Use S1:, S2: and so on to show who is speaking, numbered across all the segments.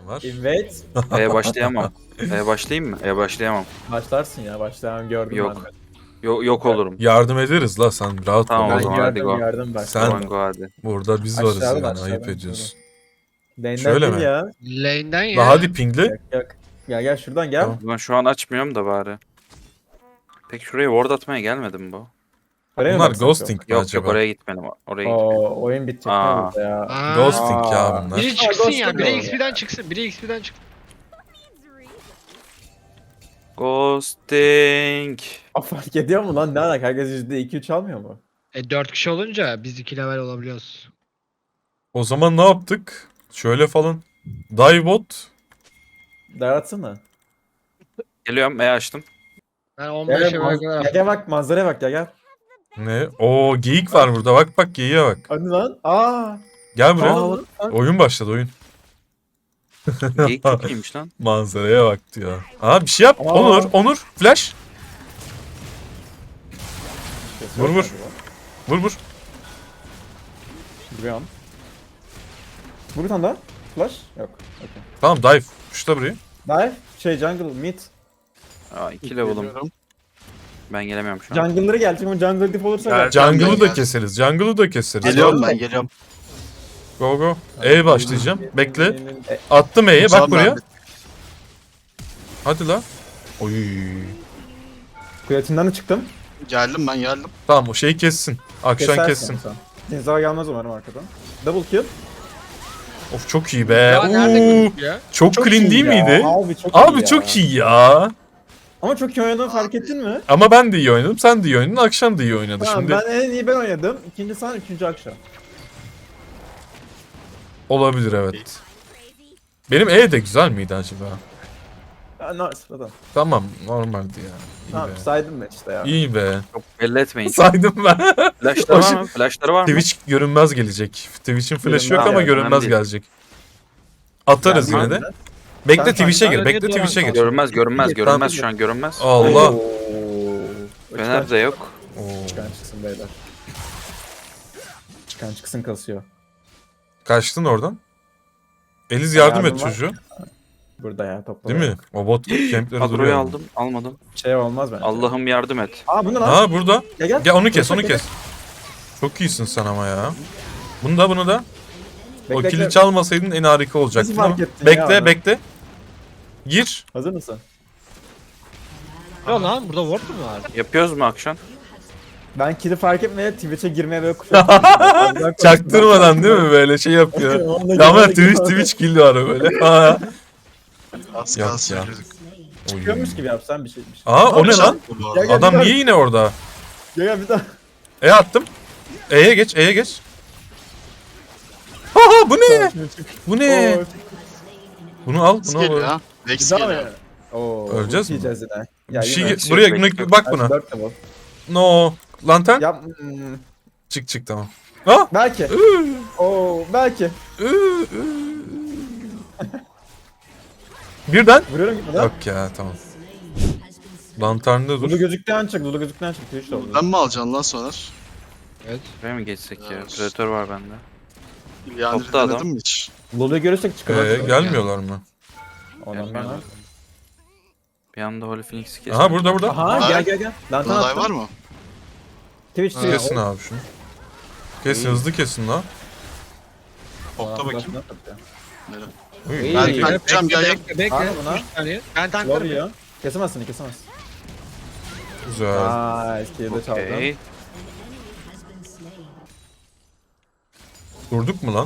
S1: var.
S2: Evet.
S3: Başlayamam. Başlayayım mı? Başlayamam.
S2: Başlarsın ya. Başlayan gördüm
S3: Yok.
S2: ben de.
S3: Yok olurum.
S1: Yardım ederiz la, sen rahat
S3: Tamam,
S1: ol.
S3: o
S2: Ben
S3: zaman hadi
S2: gördüm
S3: go.
S2: gördüm bak.
S1: Sen-
S3: Tamam go hadi.
S1: Burada biz varız
S2: Aşağıdan,
S1: yani, ayıp
S2: aşağıdan.
S1: ediyorsun.
S2: Lane'den
S1: Şöyle
S2: değil
S1: mi?
S2: ya.
S4: Lane'den ya.
S1: La hadi pingle.
S2: Yok yok. Gel şuradan gel.
S1: Tamam.
S3: Ben şu an açmıyorum da bari. Peki şuraya ward atmaya gelmedim bu.
S2: Oraya mı
S1: Bunlar
S2: baksak
S1: ghosting mi
S3: Yok
S1: acaba?
S3: oraya gitmedim. Oraya
S2: yok?
S3: gitmedim.
S2: Oo, oyun bitecek ne
S3: Aa.
S2: burada ya.
S4: Aa.
S1: Ghosting ya
S2: Aa.
S1: bunlar.
S4: Biri çıksın ya.
S2: Ghost'u
S4: Biri
S2: diyor
S4: XP'den çıksın. Biri XP'den çıksın.
S3: Ghosting.
S2: Fark ediyor mu lan? Ne alaka? Herkes %2-3 almıyor mu?
S4: 4 kişi olunca biz 2 level olabiliyoruz.
S1: O zaman ne yaptık? Şöyle falan. Divebot.
S2: Daratsana.
S3: Geliyorum açtım.
S4: Ben
S2: Gel
S4: 15'e
S2: gel,
S4: kadar.
S2: gel bak manzaraya bak gel.
S1: Ne? Oo, geyik var burada. Bak geyiğe bak.
S2: Hadi lan. Aa.
S1: Gel buraya.
S2: Aa, lan.
S1: Oyun başladı, oyun.
S3: Geyik çok iyiymiş lan.
S1: Manzaraya bak diyor. Aa, bir şey yap.
S2: Aa.
S1: Onur. Flash. Vur. Vur.
S2: Vuruyorum. Vur bir tane daha. Flash. Yok. Okay.
S1: Tamam, dive. Şurada burayı.
S2: Dive. Jungle mid.
S3: 2 level'ım. Ben gelemiyorum şu an.
S2: Jungle'ları gelecek ama jungle dip olursa
S5: Gel.
S2: gel.
S1: Jungle'ı
S5: gel.
S1: da keseriz. Jungle'ı da keseriz.
S5: Geliyorum ben geliyorum.
S1: Go. E başlayacağım. Bekle.
S2: E,
S1: Attım E'ye. Bak
S5: Tamam,
S1: buraya.
S5: ben-
S1: Hadi la. Oy.
S2: Kuletinden de çıktım.
S5: Geldim.
S1: Tamam, o şeyi kessin. Akşam
S2: Kesersin
S1: kessin.
S2: sen. Zinzar gelmez umarım arkadan. Double kill.
S1: Of, çok iyi be.
S4: Ya nerede
S1: Oo,
S4: gözüküyor ya?
S1: çok clean
S2: iyi
S1: değil
S2: ya.
S1: miydi?
S2: Abi çok iyi
S1: Abi
S2: ya.
S1: çok iyi ya.
S2: Ama çok iyi oynadığını fark ettin mi?
S1: Ama ben de iyi oynadım. Sen de iyi oynadın. Akşam da iyi oynadı.
S2: Tamam,
S1: Şimdi
S2: ben en iyi ben oynadım. İkinci sen, üçüncü akşam.
S1: olabilir, evet. Benim E de güzel miydi acaba?
S2: Ya nice zaten.
S1: Tamam, normaldi ya. İyi
S2: Tamam
S1: be.
S2: saydım ben işte ya.
S1: İyi be.
S3: Çok belli etmeyin.
S1: Saydım ben.
S3: Flash'ları var mı? Flash'ları var mı?
S1: Twitch görünmez gelecek. Twitch'in flash'ı yok
S2: Görünmez
S1: ama
S2: ya,
S1: görünmez
S3: önemli değil.
S1: gelecek. Atarız
S2: Yani
S1: yine de.
S2: ben-
S1: Bekle
S2: Sen
S1: Twitch'e gir.
S4: fark-
S1: Bekle
S4: Niye
S1: Twitch'e
S4: duran
S1: gir.
S3: Görünmez şu an görünmez.
S1: Allah.
S2: Oo.
S3: Fener de yok.
S1: Oo.
S2: Çıkan çıksın beyler. Çıkan çıksın kasıyor.
S1: Kaçtın oradan. Eliz yardım et
S2: Yardım var.
S1: çocuğu.
S2: Burada ya topla.
S1: Değil mi? O bot campleri
S3: Kadroyu
S1: duruyor.
S3: aldım. Almadım.
S2: Şey olmaz bence.
S3: Allah'ım yardım et.
S2: Aa bu ne lan?
S1: Ha, burada.
S2: Gel.
S1: Gel onu kes,
S2: Gel,
S1: onu
S2: gel.
S1: kes. Çok iyisin sen ama ya. Bunu da. O
S2: Bekle,
S1: kili
S2: bekle.
S1: çalmasaydın en harika olacaktı.
S2: fark
S1: ama.
S2: ettin ya onu?
S1: Bekle. Gir.
S2: Hazır mısın?
S4: Ya lan burada ward mu var?
S3: Yapıyoruz mu akşam?
S2: Ben kill'i fark etmeye Twitch'e girmeye böyle kuşattım.
S1: Çaktırmadan değil mi, böyle şey yapıyor. Ama Twitch kill var böyle. Ha.
S5: Az
S1: Yok
S5: kalsın
S1: ya.
S5: yürüdük.
S1: Oy.
S2: Çıkıyormuş gibi yapsan bir şey.
S1: Aa, o ne lan?
S5: Bu
S2: Gel,
S5: arada.
S2: gel.
S1: Adam niye yine orada?
S2: Gel bir daha.
S1: E attım. E'ye geç. Haha, bu ne? Bu ne?
S2: Oo,
S1: Bunu al,
S5: Rex
S1: bunu
S5: geliyor
S1: al.
S5: ha. Rex
S2: bir daha
S5: geliyor.
S2: mı? Oo,
S1: Öleceğiz mi?
S2: yiyeceğiz yine. Ya
S1: Bir şey
S2: yine.
S1: buraya
S3: bekle.
S1: bak buna.
S2: 4 level.
S1: No. Lantern.
S2: Yap.
S1: Çık tamam. Ha?
S2: Belki. Oo belki.
S1: Birden.
S2: Vuruyorum gibi lan.
S1: Yok ya, tamam. Lanternde
S2: Lulu
S1: dur.
S2: gözüktüğün çık. Lulu gözüktüğün çık. Twitch de oldu.
S5: Ben mi alacaksın lan sonra?
S4: Evet.
S3: Buraya mı geçsek ya?
S5: Evet.
S3: Predator var bende.
S5: Yani
S3: Topta adam.
S5: denedin mi hiç?
S2: Lulu'yu görürsek çıkamaz.
S1: Gelmiyorlar mı?
S2: Ondan ben ha.
S3: Bir anda Holy Phoenix'i kestim.
S1: Aha, burada.
S2: Aha gel. Lantern
S5: Dalay var
S2: attım.
S5: mı?
S2: Twitch
S4: Ha,
S2: Twitch.
S1: Kesin abi şunu. Kesin, hızlı kesin lan.
S5: Topta bakayım.
S2: Nere?
S1: Uy,
S2: İyi.
S5: Ben
S2: Bekle,
S5: kaçacağım gel gel.
S4: Bekle.
S2: Abi buna.
S4: 3 saniye. Ben
S2: Lor
S4: tanklarım.
S2: yiyor. Kesemezsin.
S1: Güzel.
S2: Aaa eskiyi de çaldım.
S3: Okey.
S1: Durduk mu lan?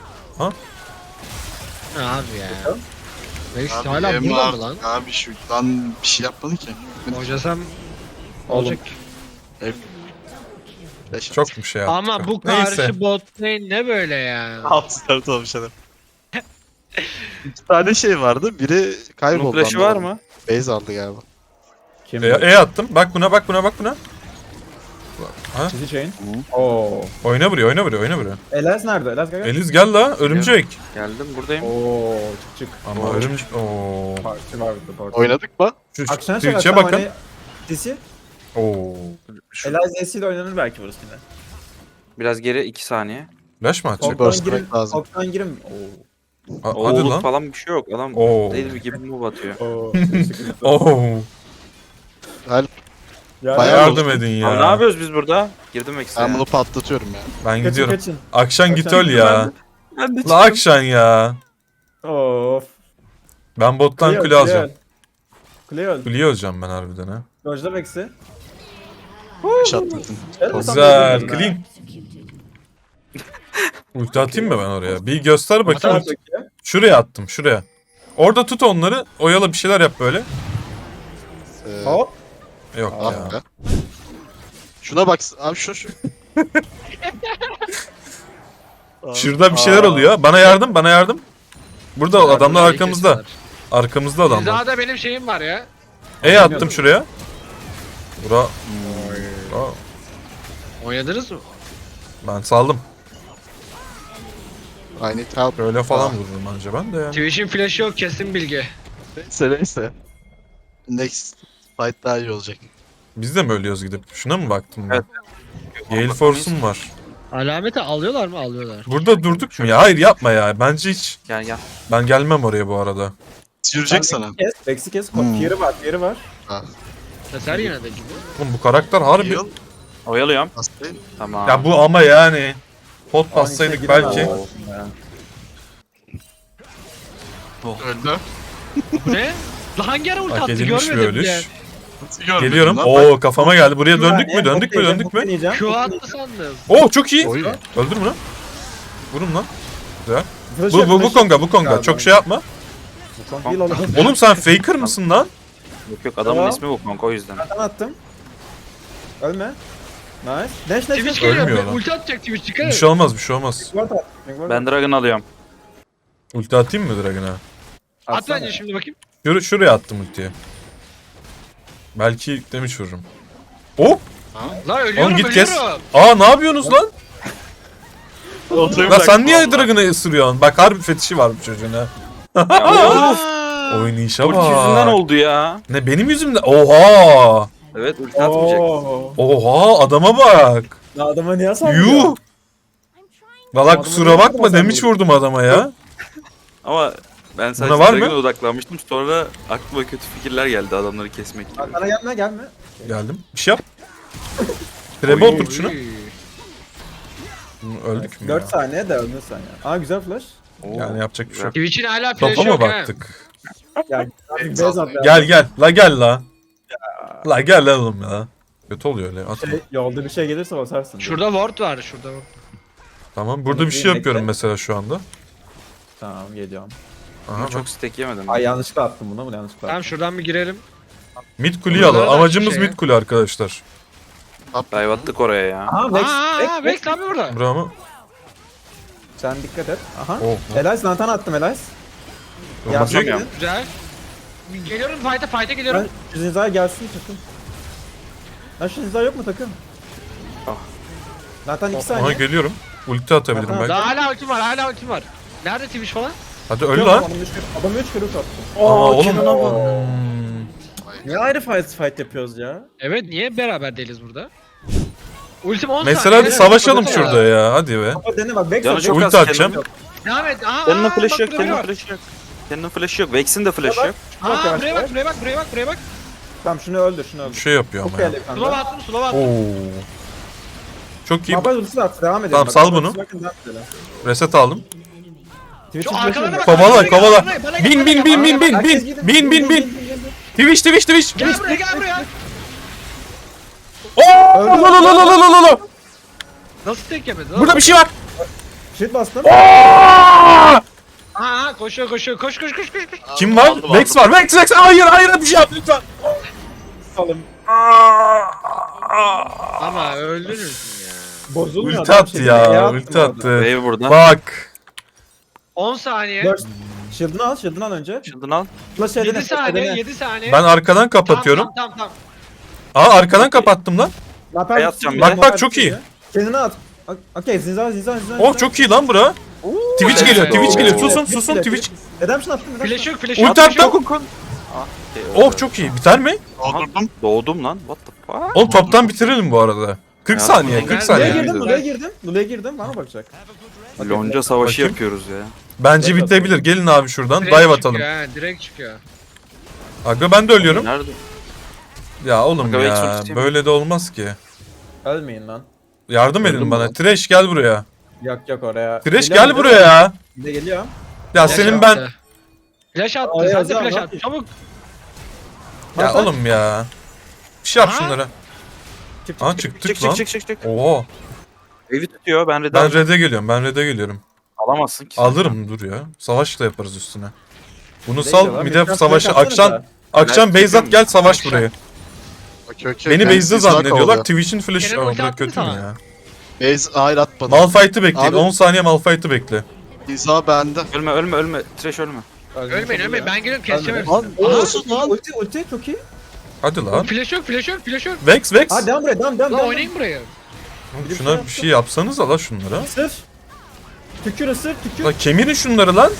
S4: Ne abi ya? Rex
S5: Abi,
S4: hala
S5: Emre
S4: burada
S5: abi-
S4: mı lan?
S5: Abi şu lan bir şey yapmadı ki.
S4: Hocasam
S2: Oğlum.
S4: olacak.
S1: Çok mu şey yaptık?
S4: Ama
S1: ha?
S4: bu
S1: Neyse.
S4: karşı bot lane ne böyle ya?
S5: 6-4 olmuş adam. 2 tane şey vardı. Biri
S3: Bunun
S5: kayboldu.
S3: flash'ı var mı?
S5: Base aldı galiba.
S2: Kim?
S1: E attım. Bak buna.
S2: Çizi chain. Oo.
S1: Oyna buraya.
S2: Elaz nerede? Elaz gel.
S1: Eliz gel la, örümcek.
S3: Geldim buradayım.
S2: Oo çık.
S1: Ama
S3: Oo.
S1: örümcek. Oo.
S2: Parti var burada parti.
S5: Oynadık mı?
S1: Şu
S2: Akşam
S1: Twitch'e bakın.
S2: Disi.
S1: Oo.
S2: Elaz Z'siyle oynanır belki burası yine.
S3: Biraz geri 2 saniye.
S1: Flash mı atacak?
S5: Burst
S2: Toptan girin.
S5: lazım.
S2: Toptan girin. Oo.
S1: Hadi
S3: Oğluk
S1: lan.
S3: falan bir şey yok. Adam
S1: Oo.
S3: deli gibi move atıyor.
S2: Oo. teşekkür
S1: Oo.
S5: Help.
S2: Ya,
S5: Bayağı
S1: Yardım edin
S3: Abi ne
S1: ya.
S3: yapıyoruz biz burada? Girdim eksiğe.
S5: Ben bunu patlatıyorum ya.
S1: Ben
S2: Kaçın
S1: gidiyorum.
S2: kaçın.
S1: Akşan git
S2: Akşan
S1: öl ya.
S3: Ben de
S1: La Akşan ya.
S2: Of.
S1: Ben bottan kule alacağım.
S2: Kule öl.
S1: Kuleyi alacağım ben harbiden ha.
S2: Dojla Vex'i.
S5: Şatladın.
S1: Güzel. Clean. Ulti atayım mı ben oraya? Bir göster bakayım.
S2: Atar peki.
S1: Şuraya attım şuraya. Orada tut onları. Oyala bir şeyler yap böyle.
S2: Hop.
S1: Yok
S5: Ah
S1: ya.
S5: be. Şuna bak abi şu.
S1: Şurada bir şeyler oluyor. Bana yardım bana yardım. Burada adamlar arkamızda. Arkamızda adamlar.
S4: Hizada benim şeyim var ya.
S1: Attım şuraya. Bura. Bura.
S4: Oynadınız mı?
S1: Ben saldım.
S5: I need help.
S1: Böyle falan
S5: Ah.
S1: vururum anca ben de ya.
S4: Twitch'in flash'ı yok kesin bilgi.
S5: Neyse. Next fight daha iyi olacak.
S1: Biz de mi ölüyoruz gidip? Şuna mı baktım ben?
S3: Evet.
S1: Gale Force'um var.
S4: Alameti alıyorlar mı? Alıyorlar.
S1: Burada durduk mu ya? Hayır yapma ya. Bence hiç.
S3: Gel gel.
S1: Ben gelmem oraya bu arada.
S5: Yürüyecek sana.
S2: Kes. Vex'i kes.
S5: Hmm.
S2: Tier'i var. Tier'i var.
S4: Keser yine de gibi.
S1: Oğlum bu karakter harbi.
S5: Heal.
S3: Oyalıyorum.
S5: Hastayım.
S3: Tamam.
S1: Ya bu ama yani. Pot bassaydık
S2: içine
S1: belki.
S2: giremem.
S5: Öldü.
S4: Bu ne? Lan hangi ara ulti
S1: Hak
S4: attı
S1: edilmiş bir
S4: görmedim
S1: ölüş.
S4: bile.
S5: Nasıl görmedin
S1: Geliyorum.
S5: lan?
S1: Oo kafama geldi. Buraya döndük mü? Döndük mü? Döndük mü?
S2: Deneyeceğim.
S4: Q attı sandım.
S1: Oo çok iyi.
S5: Oy.
S1: Öldür mü lan? Vurun lan. Güzel.
S2: Flash
S1: Bu
S2: yok, flash
S1: Konga
S2: yok.
S1: bu Konga.
S2: Galiba.
S1: Çok şey yapma.
S2: Bu Kong değil oğlum.
S1: Oğlum sen faker mısın lan?
S3: Yok yok adamın
S2: Tamam.
S3: ismi bu kanka o yüzden.
S2: Ben attım. Ölme. Nice. Dash
S4: Twitch
S2: dash.
S4: geliyor.
S1: Ölmüyor lan.
S4: Ulti atacak Twitch dikkat
S1: Bir
S4: et.
S1: şey olmaz bir şey olmaz.
S2: Ward at. Ward
S3: Ben Dragon alıyorum.
S1: Ulti atayım mı Dragon'a?
S4: At
S2: Atsana.
S4: bence şimdi bakayım.
S1: Şuraya attım ultiyi. Belki damage vururum. Oh!
S4: Lan ölüyorum
S1: Oğlum git kes.
S4: ölüyorum.
S1: Aa ne yapıyorsunuz lan?
S5: Oturayım
S1: Lan
S5: bak.
S1: sen niye Dragon'ı ısırıyorsun? Bak harbi fetişi var bu çocuğun ha.
S4: Aa!
S1: Oynayışa
S3: Ulti yüzünden
S1: bak.
S3: oldu ya.
S1: Ne benim yüzümden? Oha!
S3: Evet ulti atmayacak.
S2: Oo.
S1: Oha adama bak.
S2: Ya adama niye sallıyor?
S1: Yuh! Valla kusura bakma damage vurdum adama ya.
S3: Ama ben sadece
S1: Buna var mı?
S3: Dragon'a odaklanmıştım. Sonra aklıma kötü fikirler geldi adamları kesmek gibi.
S2: Sana gelme gelme.
S1: Geldim. Bir şey yap. Trebe otur şunu.
S4: Oy.
S1: Öldük mü
S2: 4
S1: ya?
S2: saniye de ölmüşsen ya. Aa güzel flash.
S3: Oo,
S1: Yani yapacak bir şey yok.
S4: Twitch'in hala flash'ı
S1: Topa mı
S4: yok ha.
S1: baktık?
S2: Ya base at ya.
S1: Gel gel. La gel la. La gel la oğlum ya. Kötü oluyor öyle. Atma.
S2: Yolda bir şey gelirse basarsın.
S4: Şurada ward var şurada. Ward.
S1: Tamam burada bir şey yapıyorum mesela şu anda.
S2: Tamam geliyorum.
S1: Aha,
S3: Ama
S1: bak.
S3: çok stack yemedim.
S2: Ay yanlışlıkla attım bunu mu yanlışlıkla
S4: Tamam
S2: attım.
S4: şuradan bir girelim.
S1: Mid kuleyi
S4: Burada
S1: alalım.
S4: da
S1: Amacımız
S4: şey-
S1: mid kule arkadaşlar.
S3: Dive attık oraya ya.
S2: Aha Vex.
S4: Aa Vex abi burada.
S1: Bravo.
S2: Sen dikkat et. Aha.
S1: Oh.
S2: Elias lantan attım Elias.
S1: Olmaz
S2: Yardım
S1: yok.
S2: edin.
S4: Güzel. Geliyorum fight'a
S2: Ben
S4: geliyorum.
S2: şu Zinza'ya gelsin takım. Lan şu Zinza yok mu takım?
S3: Ah.
S2: Lantan 2
S1: Aha
S2: saniye.
S1: geliyorum. Ulti atabilirim
S2: Aha,
S1: belki.
S4: Daha hala ultim var hala ultim var. Nerede Twitch falan?
S1: Hadi öl lan.
S2: Adamı 3 kere ult attım.
S1: Aa oğlum.
S2: Kenan'a bak.
S1: Hmm.
S2: Niye ayrı fight yapıyoruz ya?
S4: Evet niye beraber değiliz burada? Ultim 10
S1: Mesela
S4: saniye.
S1: hadi savaşalım
S4: Evet,
S1: şurada ya. Hadi be.
S2: Ama dene bak Vex
S3: Canı
S2: at.
S3: çok
S1: Ulti
S3: az.
S1: atacağım.
S4: Devam et. Aa,
S3: Kendinin
S4: bak
S3: flash'ı yok.
S4: burada biri
S3: Kendinin
S4: var.
S3: flash'ı yok. Kendinin flash'ı yok. Vex'in de flash'ı
S2: Bak.
S3: yok.
S2: Bak
S4: Aa
S2: yavaş
S4: buraya
S2: yavaş.
S4: bak buraya bak buraya bak buraya bak.
S2: Tamam şunu öldür şunu
S1: Bir
S2: öldür.
S1: şey yapıyor
S2: Çok
S1: ama ya.
S2: iyi
S4: Slow
S2: ekranda.
S4: attım slow attım.
S1: Oo. Çok iyi.
S2: Mabaz ultisi at devam edelim.
S1: Tamam,
S2: bak.
S1: sal
S2: Mabaz
S1: bunu.
S2: ultisi bakın, devam edelim.
S1: Reset aldım.
S2: Twitch'in
S4: Şu
S2: flash'ı
S4: arkalarına
S2: yok.
S4: bak.
S1: Kovala kovala.
S4: Bana gel,
S1: Bin
S4: bana
S1: bin
S4: gel,
S1: bin
S4: bana
S1: bin
S4: gel.
S1: bin
S2: Herkes
S1: bin
S2: gidin.
S1: bin bin bin. Twitch Twitch Twitch.
S4: Gel buraya gel buraya.
S1: Oo! La la la la la la la.
S4: Nasıl tek yemedi?
S1: Burada bir şey var.
S2: Shit bastım.
S1: Aa!
S4: Aa koşuyor koşuyor koş koş koş koş. koş.
S1: Kim var?
S5: Aldım,
S1: Vex var. Vex Vex. Hayır hayır bir şey yap lütfen.
S2: Alım.
S4: Ama öldünüz mü ya?
S2: Bozulmuyor.
S1: Ulti
S2: adam
S1: attı
S2: şey.
S1: ya.
S2: Neye attım
S1: Ulti
S2: orada?
S1: attı.
S3: Wave burada.
S1: Bak.
S4: 10 saniye.
S2: Dur. Shield'ını al, shield'ını al önce.
S3: Shield'ını al.
S2: Flash
S4: 7
S2: edene,
S4: saniye
S2: edene.
S4: 7 saniye.
S1: Ben arkadan kapatıyorum.
S4: Tamam tamam.
S1: Aa arkadan kapattım lan.
S2: Laper
S3: Bey
S2: ultisi
S3: atacağım
S2: geliyor,
S3: bir
S1: de. Bak,
S2: laper
S1: çok
S2: ultisi
S1: iyi.
S2: geliyor. Kendini at. Okey Zinza.
S1: Oh çok iyi lan bura. Twitch geliyor.
S4: Evet.
S1: Twitch geliyor.
S3: Oo.
S1: Susun susun Twitch.
S2: Redemption attım.
S4: Flash yok flash
S1: Ulti
S4: yok.
S1: attım.
S3: Ah,
S1: Oh çok iyi. Biter mi?
S5: Doldurdum.
S3: Doğdum lan. What the fuck?
S1: Oğlum toptan bitirelim bu arada. 40
S3: Ya,
S1: saniye,
S3: ben-
S1: 40
S4: ben-
S2: Lula'ya
S1: saniye.
S3: Güzel.
S2: girdim, Lula'ya girdim. Lula'ya girdim. Bana bakacak.
S3: Lonca savaşı
S1: Bakayım.
S3: yapıyoruz ya.
S1: Bence
S2: Direkt
S1: bitebilir. Gelin abi şuradan.
S4: Direkt
S1: Dive
S4: çıkıyor
S1: atalım.
S4: ha, direkt çıkıyor.
S1: Aga ben de ölüyorum.
S3: Nerede?
S1: Ya oğlum
S3: Aga, belki
S1: ya.
S3: ultim-
S1: Böyle de olmaz ki.
S2: Ölmeyin lan.
S1: Yardım
S5: Öldüm
S1: edin
S5: mü
S1: bana.
S5: lan?
S1: Trash gel buraya.
S2: Yok oraya.
S1: Trash
S2: Geliyor,
S1: gel
S2: geliyor.
S1: buraya ya.
S2: Bir de geliyor.
S1: Ya
S4: Flash
S1: senin
S4: attı.
S1: ben...
S4: Flash attı.
S2: Ay,
S4: Sen de
S2: Azam,
S4: flash
S2: ne
S4: at.
S2: yapıyorsun?
S4: Çabuk.
S1: Ya
S2: Hasan.
S1: oğlum ya. Bir şey yap
S4: Aha.
S1: şunlara.
S2: Çık
S1: Aa
S2: çık.
S1: çıktık
S3: Çık
S1: lan.
S3: çık çık çık çık.
S1: Oo.
S3: Evi tutuyor ben red'e
S1: Ben red'e geliyorum. Ben red'e geliyorum.
S3: alamazsın ki.
S1: Alırım dur ya. Savaşla yaparız üstüne. Bunu
S2: Değil
S1: sal
S2: lan,
S1: bir
S2: bir
S1: de
S2: tane
S1: savaşı
S2: flash atsana
S1: akşam
S2: da.
S1: akşam
S3: Ben
S1: base at gel savaş
S4: Akşam.
S1: buraya.
S5: Okey okey.
S1: Beni
S5: Ben
S1: base'de
S5: Zizak
S1: zannediyorlar.
S5: oluyor.
S1: Twitch'in flash
S4: Kenan ulti
S1: Aa,
S4: attı mı
S1: kötü mü
S4: sana?
S1: ya?
S5: Base hayır atmadı.
S1: Malphite'ı bekleyin.
S5: Abi-
S1: 10 saniye Malphite'ı bekle.
S5: Zizak bende.
S3: Ölme. Trash ölme.
S4: Ölmeyin. Ben geliyorum keseceğim
S2: Ölme.
S4: hepsini.
S5: Lan
S4: Aha.
S5: olsun lan.
S2: Ulti çok iyi.
S1: Hadi lan.
S4: Flash yok.
S1: Vex.
S2: Ha devam buraya devam.
S4: Lan oynayın buraya.
S1: Şuna bir şey yapsanız la şunlara.
S2: Sır. Tükür ısır tükür.
S1: La kemirin şunları lan.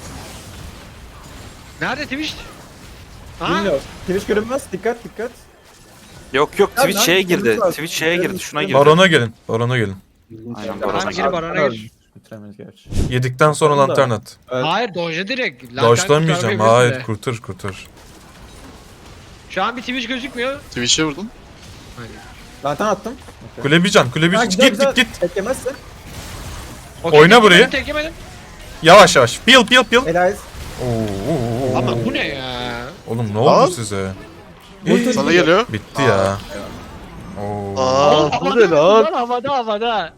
S4: Nerede Twitch? Aha.
S2: Bilmiyorum. Twitch görünmez. Dikkat.
S3: Yok
S2: Ya
S3: Twitch
S2: ben-
S3: şeye girdi.
S2: ben-
S3: Twitch şeye girdi. Şuna girdi.
S1: Barona gelin.
S3: Aynen
S4: Tamam,
S3: barona
S4: gir
S3: girdi.
S4: barona gir.
S2: Bitiremeyiz gerçi.
S1: Yedikten sonra
S2: Bakalım da.
S1: lantern at.
S4: Hayır dojla direkt. Lantern
S1: Dodge'lamayacağım.
S4: kurtarmayabilirsin
S1: Hayır
S4: de.
S1: kurtar.
S4: Şu an bir Twitch gözükmüyor.
S5: Twitch'e vurdum.
S2: Lantern attım.
S1: Kulebican.
S2: Ha,
S1: Git git.
S2: Beklemezsin.
S4: Okey,
S1: Oyna
S4: tek
S1: burayı.
S4: yemedim, tek yemedim.
S1: Yavaş. Peel.
S2: Elias.
S1: Oo.
S4: Ama bu ne ya?
S1: Oğlum ne oldu
S5: Aa.
S1: size?
S2: Ulti-
S5: Sana geliyor.
S1: Bitti ya. Oo.
S5: Aa bu ne lan?
S4: Havada.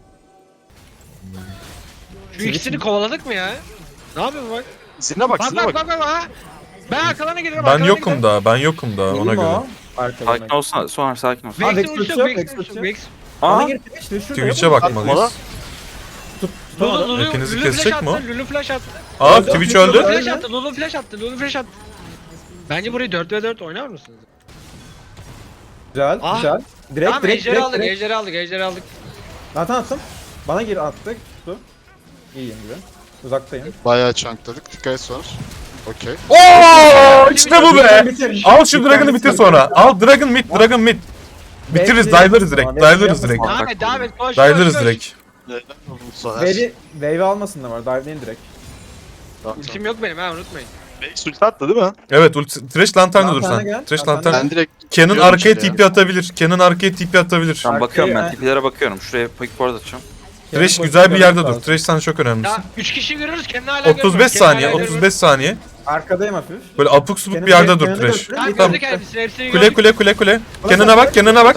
S4: Şu ikisini kovaladık mı ya? Ne yapıyorsun bak?
S5: Zine bak
S4: Bak
S5: zine bak.
S4: ha. Ben arkalarına geliyorum.
S1: Ben
S4: arkalarına
S1: yokum
S4: gidiyorum.
S1: da. Ona
S2: Vurma
S1: göre.
S2: o. Arkadan.
S3: Sakin olsana. Sonra sakin ol.
S2: Ha,
S4: Vex'in
S2: Vex
S4: ultisi
S2: tutuyor,
S4: yok,
S2: Vex
S4: Vex'in ultisi
S2: tutuyor.
S4: yok. Vex.
S2: Bana
S3: Aa.
S2: gir Twitch. Şurada
S1: Twitch'e
S2: yok.
S1: bakmalıyız.
S4: Lulu
S1: Hepinizi
S4: Lulu
S1: kesecek
S4: flash
S1: mi o?
S4: attı. Lulu flash attı.
S1: Aa
S2: Öldü,
S1: Twitch
S2: öldü.
S1: öldü.
S4: Lulu flash attı. Lulu flash attı. Bence burayı 4v4 oynar mısınız?
S2: Güzel.
S4: Ah.
S2: Güzel. Direkt
S4: Tamam
S2: direkt
S4: ejderi aldık.
S2: Lantern attım. Bana gir attık. Tuttu. İyiyim gibi. Uzaktayım.
S5: Bayağı chunkladık. Dikkat et sonra. Okey.
S1: Oo işte bu be.
S2: Bitir.
S1: Al şu Dragon'ı bitir sonra. Al Dragon mid. Bitiririz, dive'larız direkt.
S4: Devam et. Koş.
S1: Dive'larız direkt.
S5: Neden oldu bu sefer?
S2: Wave almasın da var. Dive'leyin direkt.
S4: Ultim yok benim ha unutmayın.
S5: Vex ulti attı değil mi?
S1: Evet, Trash lantern'da dur
S2: Lantern'e
S1: sen.
S2: gel,
S1: Trash
S2: lantern'e
S1: lantern.
S5: Ben direkt
S1: Kenan
S5: Biliyorum
S1: arkaya
S5: şimdi ya.
S1: TP atabilir. Kenan arkaya TP atabilir.
S3: Tamam bakıyorum ben.
S2: Arkaya-
S3: Tipilere bakıyorum. Şuraya quick ward atacağım.
S1: Trash
S2: Kenan
S1: güzel bir
S2: pozisyonu
S1: yerde dur.
S2: lazım.
S1: Trash sen çok önemlisin.
S4: Ya 3 kişi görürüz kendini hala
S1: 35
S4: görmüyoruz,
S1: saniye,
S4: kendini hala
S1: 35 saniye.
S2: Arkadayım hafif.
S1: Böyle apuk subuk
S2: Kenan-
S1: bir yerde dur
S2: Kenan'ı
S1: Trash.
S2: götürün.
S4: görmüyoruz.
S1: Tamam.
S4: Gördük hepsini
S1: Kule. Kenan'a bak.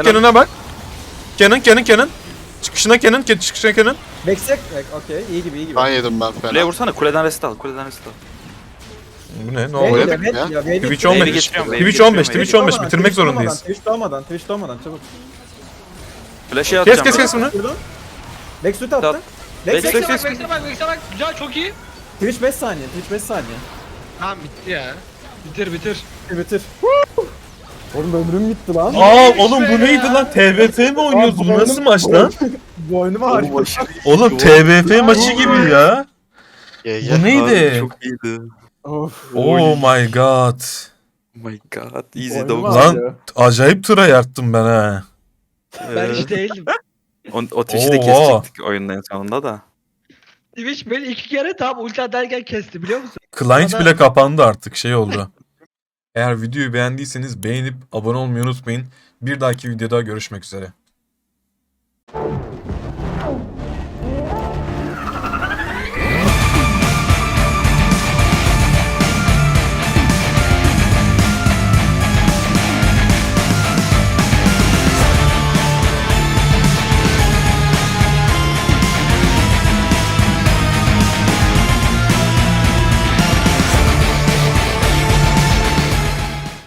S1: Kenan. Çıkışına Kenan.
S2: Backsek. Okey. İyi gibi.
S5: ben yedim ben
S3: Kuleye
S5: fena.
S3: vursana. Kuleden rest al.
S1: Bu ne? Ne
S2: Wave
S1: oluyor?
S5: Oynadık
S2: geliyor,
S5: ya.
S2: wave geliyor,
S1: Twitch
S2: wave
S1: 15.
S2: geliyor.
S3: geçiyorum,
S1: Twitch
S3: wave
S1: 15.
S3: geçiyorum,
S1: Twitch 15.
S2: Doğmadan,
S1: Bitirmek
S2: Twitch doğmadan,
S1: zorundayız.
S2: Twitch doğmadan çabuk.
S3: Flash'e
S1: Kes
S3: atacağım.
S1: bunu.
S2: Vurdum. Vex ulti attı.
S3: At.
S2: Vex
S3: Vex-
S2: Vex.
S4: Vex'e bak. Güzel çok iyi.
S2: Twitch 5 saniye.
S4: Tamam bitti ya. Bitir.
S2: Bitir. Oğlum ömrüm gitti lan.
S1: Aa oğlum bu neydi lan? TBF mi oynuyoruz? Bu nasıl maç lan?
S2: Boynuma harika.
S1: Oğlum TBF maçı gibi ya.
S5: GG.
S1: Bu neydi?
S3: Çok iyiydi.
S2: Of.
S1: Oh my god.
S3: Oh my god. Easy
S2: Boynuma
S3: dog.
S1: Lan
S2: ağrıyor.
S1: acayip tıra yarttım ben ha.
S4: Ben hiç değildim.
S3: O Twitch'i de
S1: Oha.
S3: kesecektik oyunun en sonunda da.
S4: Twitch beni 2 kere tam ulti atarken kesti biliyor musun?
S1: Client bile kapandı artık şey oldu. Eğer videoyu beğendiyseniz beğenip abone olmayı unutmayın. Bir dahaki videoda görüşmek üzere.